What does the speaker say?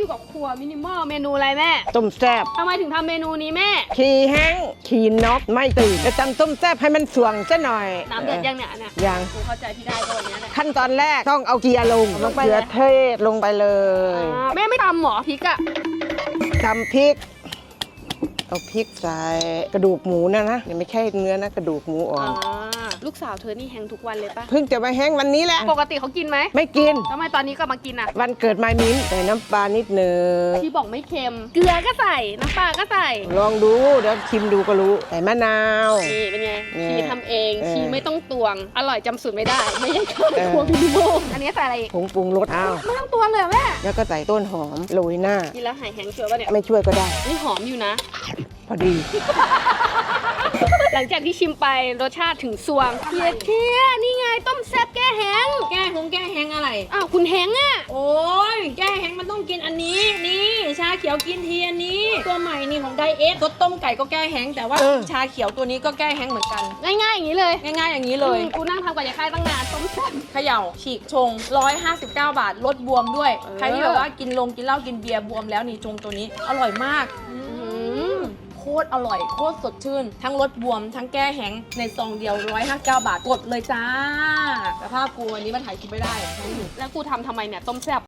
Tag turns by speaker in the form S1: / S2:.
S1: อยู่กับครัวมินิมอลเมนูอะไรแม่
S2: ต้มแซ่บ
S1: ทำไมถึงทำเมนูนี้แม่
S2: ขี่แห้งขี่นกไม่ตื่นจะตำต้มแซ่บให้มันสวงซะหน่อย
S1: น้ำเดือดยังเนี่ยเนี่ย
S2: ยัง
S1: กูเข้าใจพี่ได้ก็วันนี้แหละ
S2: ขั้นตอนแรกต้องเอาเกียร์ลง
S1: ลงไป
S2: เกลื
S1: เล
S2: อย เทศลงไปเลย
S1: แม่ไม่ตำหมอพริกอะ
S2: ตำพริก เอาพริกใส่กระดูกหมูนะเนี่ยไม่ใช่เนื้อนะกระดูกหมูอ่อน
S1: ลูกสาวเธอนี่แฮงทุกวันเลยปะ
S2: เพิ่งจะมาแห้งวันนี้แหละ
S1: ปกติเขากินไหม
S2: ไม่กิน
S1: ทำไมตอนนี้ก็มากินอะ
S2: วันเกิดไม้มิ้นใส่น้ำปลานิดหนึง
S1: ที่บอกไม่เค็ม เกลือก็ใส่น้ำปลาก็ใส่
S2: ลองดูเดี๋ยวชิมดูก็รู้ใส่มะนาว
S1: นี่เป็นไง
S2: เนี่ย
S1: ชีทำเอง ชี
S2: เออ
S1: ไม่ต้องตวง อร่อยจำสูตรไม่ได้ ไม่ใช่ข้าว
S2: เออ
S1: ครัวมินิมอลอันนี้ใส่อะไรอีก
S2: ผงปรุงรสอ้าว
S1: ไม่ต้องตวงเลยเหรอแม่
S2: แล้วก็ใส่ต้นหอมโรยหน้า
S1: กินแล้วหายแฮงชัวร์ป่ะเนี่ย
S2: ไม่ช่วยก็ได้
S1: นี่หอมอยู่นะ
S2: พอดี
S1: หลังจากที่ชิมไปรสชาติถึงสวงเทียนี่ไงต้มแซ่บแก้แห้ง
S3: แก้แห้งอะไร
S1: อ้าวคุณแห้งอ่ะ
S3: โอ้ยแก้แห้งมันต้องกินอันนี้ นี่ชาเขียวกินทีอันนี้ ตัวใหม่นี่ของไดเอทรสต้มไก่ก็แก้แห้งแต่ว่า
S2: เออ
S3: ชาเขียวตัวนี้ก็แก้แห้งเหมือนกัน
S1: ง่ายๆอย่างนี้เลย
S3: ง่ายๆอย่างนี้เลย
S1: กูนั่งทำกับยายค่ายตั้งนานต้มแซ่บ
S3: เขย่าฉีกชง 159 บาทลดบวมด้วย
S1: เออ
S3: ใครที่แบบว่ากินเหล้ากินเบียร์บวมแล้วนี่ชงตัวนี้ อร่อยมาก โคตรอร่อยโคตรสดชื่น ทั้งลดบวมทั้งแก้แห้งในซองเดียว 159 บาทกดเลยจ้าแต่ภาพกูวันนี้มาถ่ายคลิปไม่ได้
S1: แล้วกูทำไมเนี่ยต้มแซ่บ